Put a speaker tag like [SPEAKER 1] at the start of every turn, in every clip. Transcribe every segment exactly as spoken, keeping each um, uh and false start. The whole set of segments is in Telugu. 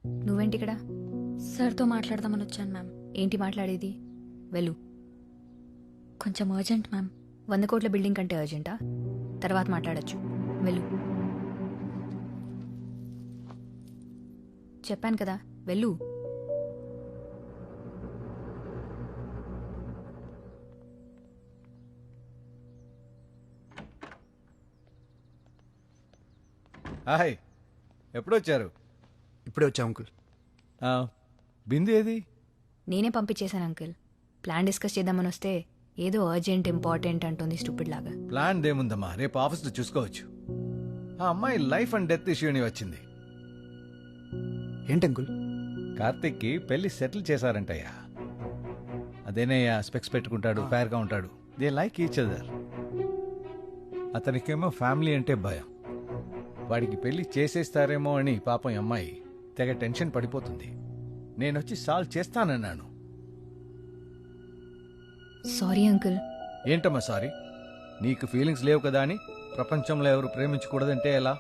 [SPEAKER 1] నువ్వేంటి ఇక్కడ? సార్తో మాట్లాడదామని వచ్చాను మ్యామ్. ఏంటి మాట్లాడేది? వెళ్ళు. కొంచెం అర్జెంట్ మ్యామ్. వంద కోట్ల బిల్డింగ్ కంటే అర్జెంటా? తర్వాత మాట్లాడచ్చు. వెళ్ళు. చెప్పాను కదా, వెళ్ళు.
[SPEAKER 2] హాయ్, ఎప్పుడు వచ్చారు?
[SPEAKER 3] ఇప్పుడే వచ్చా అంకుల్.
[SPEAKER 2] ఆ, బిందు ఏది?
[SPEAKER 1] నేనే పంపించేశాను అంకుల్. ప్లాన్ డిస్కస్ చేద్దామని వస్తే ఏదో అర్జెంట్ ఇంపార్టెంట్ అంటుంది స్టూపిడ్ లాగా.
[SPEAKER 2] ప్లాన్ దేముందమ్మా, రేపు ఆఫీస్లో చూసుకోవచ్చు. ఆ అమ్మాయి లైఫ్ అండ్ డెత్ ఇష్యూని వచ్చింది.
[SPEAKER 3] ఏంటి అంకుల్?
[SPEAKER 2] కార్తిక్కి పెళ్లి సెటిల్ చేశారంటయ్యా. అదేనయ్యా, స్పెక్స్ పెట్టుకుంటాడు, ఫేర్గా ఉంటాడు. They like each other. అతనికేమో ఫ్యామిలీ అంటే భయం. వాడికి పెళ్లి చేసేస్తారేమో అని పాపం ఈ అమ్మాయి తెగ టెన్షన్ పడిపోతుంది. నేనొచ్చి సాల్వ్ చేస్తానన్నాను.
[SPEAKER 1] Sorry uncle.
[SPEAKER 2] ఏంటమ్మా సారీ? నీకు ఫీలింగ్స్ లేవు కదా అని ప్రపంచంలో ఎవరు ప్రేమించకూడదంటే ఎలా?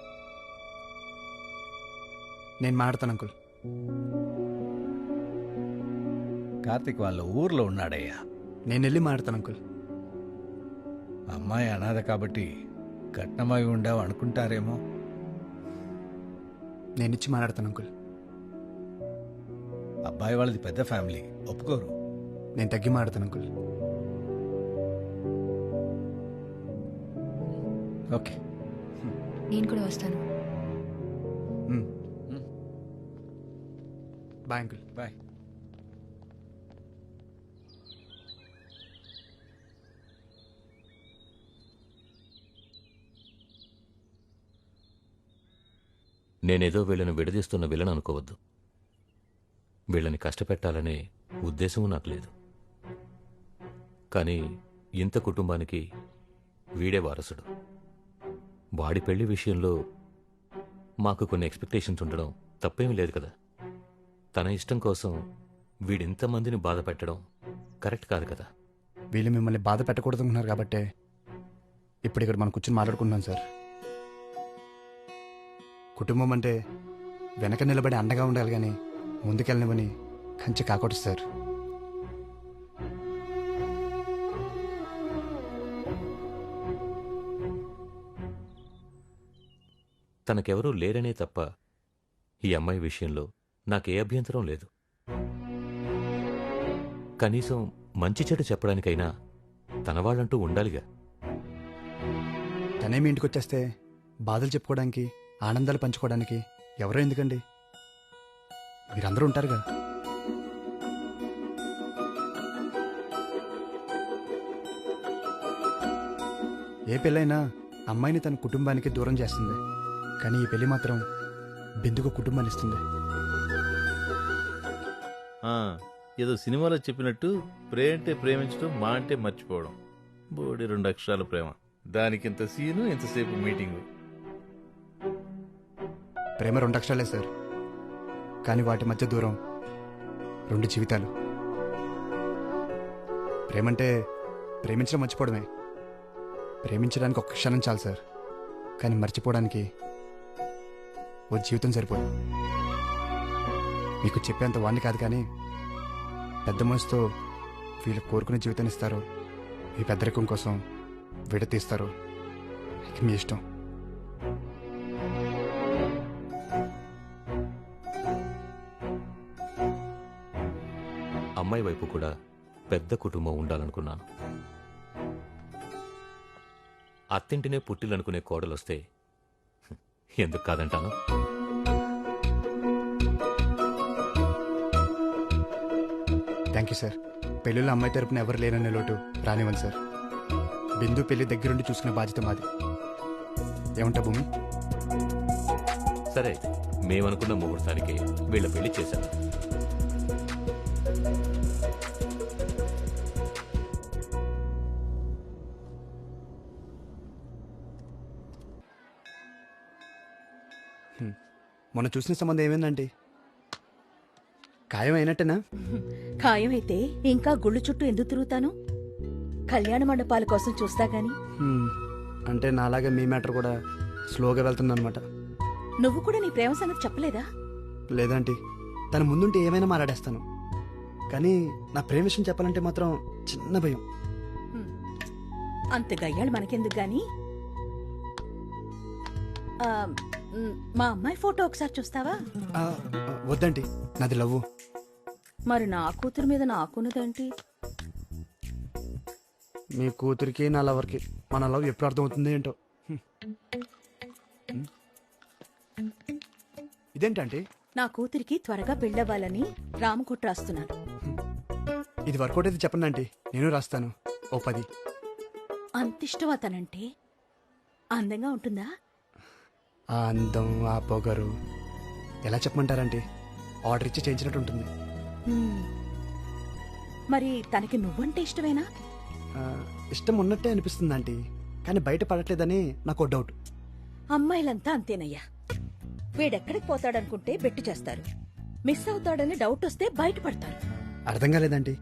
[SPEAKER 3] నేను మాడతాను అంకుల్.
[SPEAKER 2] కార్తిక్ వాళ్ళ ఊర్లో ఉన్నాడయ్యా.
[SPEAKER 3] నేను వెళ్ళి మాడతాను అంకుల్.
[SPEAKER 2] అమ్మాయి అనాథ కాబట్టి కట్నమై ఉండావు అనుకుంటారేమో.
[SPEAKER 3] నేను ఇచ్చి మాట్లాడతాను అంకుల్.
[SPEAKER 2] అబ్బాయి వాళ్ళది పెద్ద ఫ్యామిలీ, ఒప్పుకోరు.
[SPEAKER 3] నేను తగ్గి మాడతాను అంకుల్.
[SPEAKER 2] ఓకే,
[SPEAKER 1] నేను కూడా వస్తాను.
[SPEAKER 3] Bye uncle.
[SPEAKER 2] బాయ్.
[SPEAKER 4] నేనేదో వీళ్ళని విడదీస్తున్న విలన్ అనుకోవద్దు. వీళ్ళని కష్టపెట్టాలనే ఉద్దేశము నాకు లేదు. కానీ ఇంత కుటుంబానికి వీడే వారసుడు. వాడి పెళ్లి విషయంలో మాకు కొన్ని ఎక్స్పెక్టేషన్స్ ఉండడం తప్పేమీ లేదు కదా. తన ఇష్టం కోసం వీడింతమందిని బాధ పెట్టడం కరెక్ట్ కాదు కదా.
[SPEAKER 3] వీళ్ళు మిమ్మల్ని బాధ పెట్టకూడదు అనుకున్నారు కాబట్టే ఇప్పుడు ఇక్కడ మనం కూర్చొని మాట్లాడుకుంటున్నాం సార్. కుటుంబం అంటే వెనక నిలబడి అండగా ఉండాలి కానీ ముందుకెళ్ళనివని కంచి కాకూడదు సార్.
[SPEAKER 4] తనకెవరూ లేరనే తప్ప ఈ అమ్మాయి విషయంలో నాకే అభ్యంతరం లేదు. కనీసం మంచి చెడు చెప్పడానికైనా తన వాళ్ళంటూ ఉండాలిగా.
[SPEAKER 3] తనేమి ఇంటికి వచ్చేస్తే బాధలు చెప్పుకోవడానికి, ఆనందాలు పంచుకోవడానికి ఎవరో ఎందుకండి? మీరందరూ ఉంటారుగా. ఏ పెళ్ళైనా అమ్మాయిని తన కుటుంబానికి దూరం చేస్తుంది, కానీ ఈ పెళ్లి మాత్రం బిందుకు కుటుంబాన్ని ఇస్తుంది.
[SPEAKER 5] ఏదో సినిమాలో చెప్పినట్టు ప్రే అంటే ప్రేమించడం, మా అంటే మర్చిపోవడం. బోడి రెండు అక్షరాల ప్రేమ, దానికి ఇంత సీను, ఇంతసేపు మీటింగు.
[SPEAKER 3] ప్రేమ రెండు అక్షరాలే సార్, కానీ వాటి మధ్య దూరం రెండు జీవితాలు. ప్రేమంటే ప్రేమించడం మర్చిపోవడమే. ప్రేమించడానికి ఒక్క క్షణం చాలు సార్, కానీ మర్చిపోవడానికి ఓ జీవితం సరిపోదు. మీకు చెప్పేంత వాడిని కాదు, కానీ పెద్ద మనసుతో వీళ్ళు కోరుకునే జీవితాన్ని ఇస్తారో ఈ పెద్దరికం కోసం విడతీస్తారో ఇక మీ ఇష్టం.
[SPEAKER 4] అమ్మాయి వైపు కూడా పెద్ద కుటుంబం ఉండాలనుకున్నాను. అత్తింటినే పుట్టిలనుకునే కోడలొస్తే ఎందుకు కాదంటాను.
[SPEAKER 3] Thank you sir. పెళ్ళిలో అమ్మాయి తరపున ఎవరు లేరనే లోటు రానివ్వండి సార్. బిందు పెళ్లి దగ్గరుండి చూసుకునే బాధ్యత మాది. ఏమంటా భూమి?
[SPEAKER 4] సరే, మేమనుకున్న ముహూర్తానికి వీళ్ళ పెళ్లి చేశాను.
[SPEAKER 3] మొన్న చూసిన సంబంధం ఏమైందండి? ఖాయం అయినట్టేనా?
[SPEAKER 6] ఖాయమైతే ఇంకా గుళ్ళు చుట్టూ ఎందుకు తిరుగుతాను? కళ్యాణ మండపాల కోసం చూస్తా గాని.
[SPEAKER 3] హ్మ్. అంటే నాలాగా మీ మ్యాటర్ కూడా స్లోగా వెళ్తుందన్నమాట.
[SPEAKER 6] నువ్వు కూడా నీ ప్రేమ సంగతి చెప్పలేదా?
[SPEAKER 3] లేదంటే తన ముందుంటే ఏమైనా మాట్లాడేస్తాను, కానీ నా ప్రేమ విషయం చెప్పాలంటే మాత్రం చిన్న భయం.
[SPEAKER 6] హ్మ్. అంత గయ్యాళ్ళు మనకెందుకు గాని ఆ, మ్, మా అమ్మాయి ఫోటో ఒకసారి చూస్తావా?
[SPEAKER 3] ఆ, ఆ, వద్దండి, నాది లవ్వు.
[SPEAKER 6] మరి నా కూతురు మీద నాకున్నదేంటి?
[SPEAKER 3] మీ కూతురికి నా లవర్కి మన లవ్ ఎప్పుడు అర్థమవుతుంది ఏంటో. హ్మ్. హ్మ్. ఇదేంటంటే
[SPEAKER 6] నా కూతురికి త్వరగా పెళ్ళవ్వాలని రామకుట్ర రాస్తున్నాను.
[SPEAKER 3] ఇది వర్కౌట్ అయితే చెప్పండి ఆంటీ, నేను రాస్తాను ఓ పది.
[SPEAKER 6] అంత ఇష్టం అతనంటే అందంగా ఉంటుందా?
[SPEAKER 3] ఆ అందం, ఆ పొగరు ఎలా చెప్పమంటారంటే ఆర్డర్ ఇచ్చి చేయించినట్టు ఉంటుంది.
[SPEAKER 6] హ్మ్. మరి తనకి నువ్వంటే ఇష్టమేనా?
[SPEAKER 3] ఆ, ఇష్టం ఉన్నట్టే అనిపిస్తుంది ఆంటీ, కానీ బయట పడట్లేదని నాకు డౌట్.
[SPEAKER 6] అమ్మాయిలంతా అంతేనయ్యా. వీడెక్కడికి పోతాడనుకుంటే బెట్టు చేస్తారు, మిస్ అవుతాడని డౌట్ వస్తే బయటపడతారు.
[SPEAKER 3] అర్థం కాలేదండి.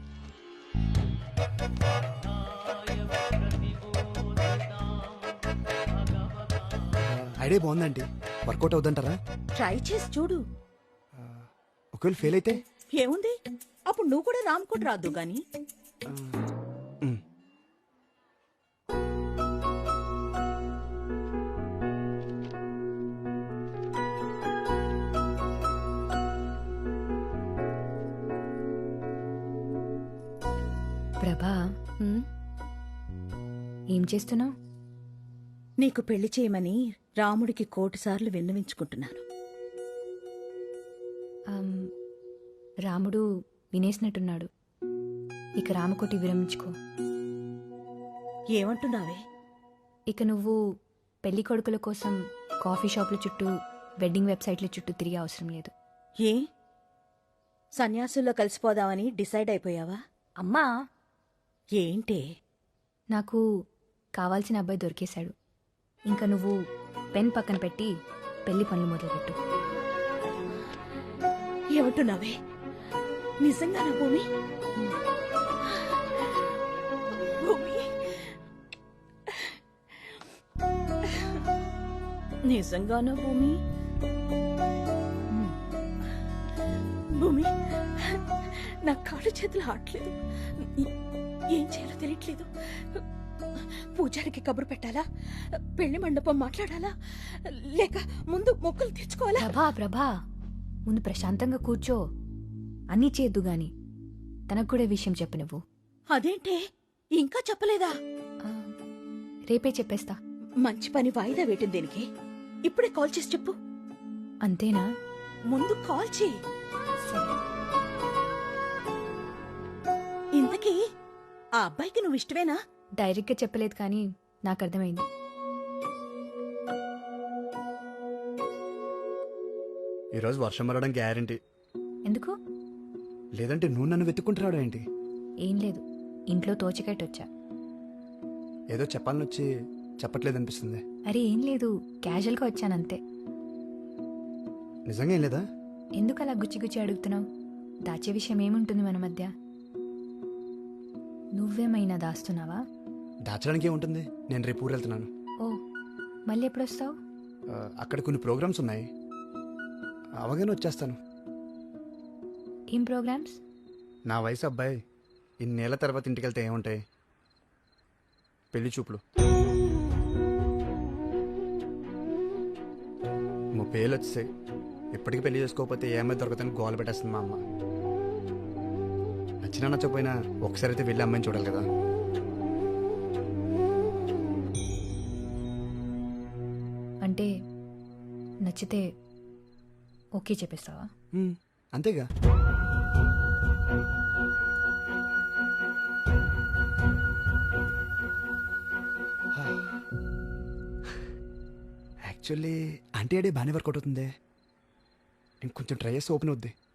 [SPEAKER 3] ఐడియా బాగుందండి, వర్కౌట్ అవుతుంటారా?
[SPEAKER 6] ట్రై చేసి చూడు.
[SPEAKER 3] ఒకవేళ ఫెయిల్ అయితే
[SPEAKER 6] ఏముంది, అప్పుడు నువ్వు కూడా రామ్కోట్ రాదు గాని.
[SPEAKER 3] ఆ, ఉమ్.
[SPEAKER 1] ప్రభా,
[SPEAKER 6] హ్మ్?
[SPEAKER 1] ఏం చేస్తున్నావు?
[SPEAKER 6] నీకు పెళ్లి చేయమని రాముడికి కోటిసార్లు విన్నవించుకుంటున్నాను.
[SPEAKER 1] రాముడు వినేసినట్టున్నాడు. ఇక రామకోటి విరమించుకో.
[SPEAKER 6] ఏమంటున్నావే?
[SPEAKER 1] ఇక నువ్వు పెళ్లి కొడుకుల కోసం కాఫీ షాపుల చుట్టూ, వెడ్డింగ్ వెబ్సైట్ల చుట్టూ తిరిగే అవసరం లేదు.
[SPEAKER 6] ఏ సన్యాసుల్లో కలిసిపోదామని డిసైడ్ అయిపోయావా?
[SPEAKER 1] అమ్మా,
[SPEAKER 6] ఏంటే?
[SPEAKER 1] నాకు కావాల్సిన అబ్బాయి దొరికేశాడు. ఇంకా నువ్వు పెన్ పక్కన పెట్టి పెళ్లి పనులు మొదలుపెట్టు.
[SPEAKER 6] ఏమంటున్నావే? నిజంగానా భూమి? భూమి, నిజంగానా భూమి? భూమి, నా కాళ్ళు చేతులు ఆడలేదు, ఏం చేయాలో తెలియట్లేదు. పూజారికి కబురు పెట్టాలా? పెళ్లి మండపం మాట్లాడాలా? లేక ముందు మొక్కులు తెచ్చుకోవాలా?
[SPEAKER 1] ప్రభా ప్రభా ముందు ప్రశాంతంగా కూర్చో. అన్నీ చేద్దు గాని తనకు కూడా ఈ విషయం చెప్పు నువ్వు.
[SPEAKER 6] అదేంటే ఇంకా చెప్పలేదా?
[SPEAKER 1] ఆ, రేపే చెప్పేస్తా.
[SPEAKER 6] మంచి పని వాయిదా వేయటం దేనికి? ఇప్పుడే కాల్ చేసి చెప్పు.
[SPEAKER 1] అంతేనా?
[SPEAKER 6] ముందు కాల్ చేయి.
[SPEAKER 1] సరే.
[SPEAKER 6] ఇంతకీ ఆ అబ్బాయికి నువ్వు ఇష్టమేనా?
[SPEAKER 1] డైరెక్ట్గా చెప్పలేదు కానీ నాకు అర్థమైంది.
[SPEAKER 3] ఈరోజు వర్షం పడడం గ్యారంటీ.
[SPEAKER 1] ఎందుకు?
[SPEAKER 3] లేదంటే నువ్వు నన్ను వెతుక్కుంటున్నాడు ఏంటి?
[SPEAKER 1] ఏం లేదు, ఇంట్లో తోచకట్టు వచ్చా.
[SPEAKER 3] ఏదో చెప్పాలని వచ్చి చెప్పట్లేదు అనిపిస్తుంది.
[SPEAKER 1] అరే ఏం లేదు, క్యాజువల్గా వచ్చానంతే.
[SPEAKER 3] నిజంగా ఏం లేదా?
[SPEAKER 1] ఎందుకు అలా గుచ్చి గుచ్చి అడుగుతున్నావు? దాచే విషయం ఏముంటుంది మన మధ్య? నువ్వేమైనా దాస్తున్నావా?
[SPEAKER 3] దాచడానికి ఏముంటుంది, నేను రేపు ఊరు వెళ్తున్నాను.
[SPEAKER 1] ఓ, మళ్ళీ ఎప్పుడు వస్తావు?
[SPEAKER 3] ఆ, అక్కడ కొన్ని ప్రోగ్రామ్స్ ఉన్నాయి, అవగానే వచ్చేస్తాను.
[SPEAKER 1] ఏం ప్రోగ్రామ్స్?
[SPEAKER 3] నా వయసు అబ్బాయి ఇన్నేళ్ల తర్వాత ఇంటికి వెళ్తే ఏముంటాయి? పెళ్లి చూపులు. ముప్పై ఏళ్ళు వచ్చేసాయి, ఇప్పటికీ పెళ్లి చేసుకోకపోతే ఏమైనా దొరకదని గోల పెట్టేస్తుంది మా అమ్మ. నచ్చినా నచ్చకపోయినా ఒకసారి అయితే వెళ్ళి అమ్మాయిని చూడాలి కదా.
[SPEAKER 1] అంటే నచ్చితే ఓకే చెప్పేస్తావా?
[SPEAKER 3] ఉమ్, అంతేగా. యాక్చువల్లీ ఆంటీ ఐడియా బాగానే వర్కౌట్ అవుతుంది. ఇంకొంచెం ట్రై చేస్తే ఓపెన్ అవుద్ది.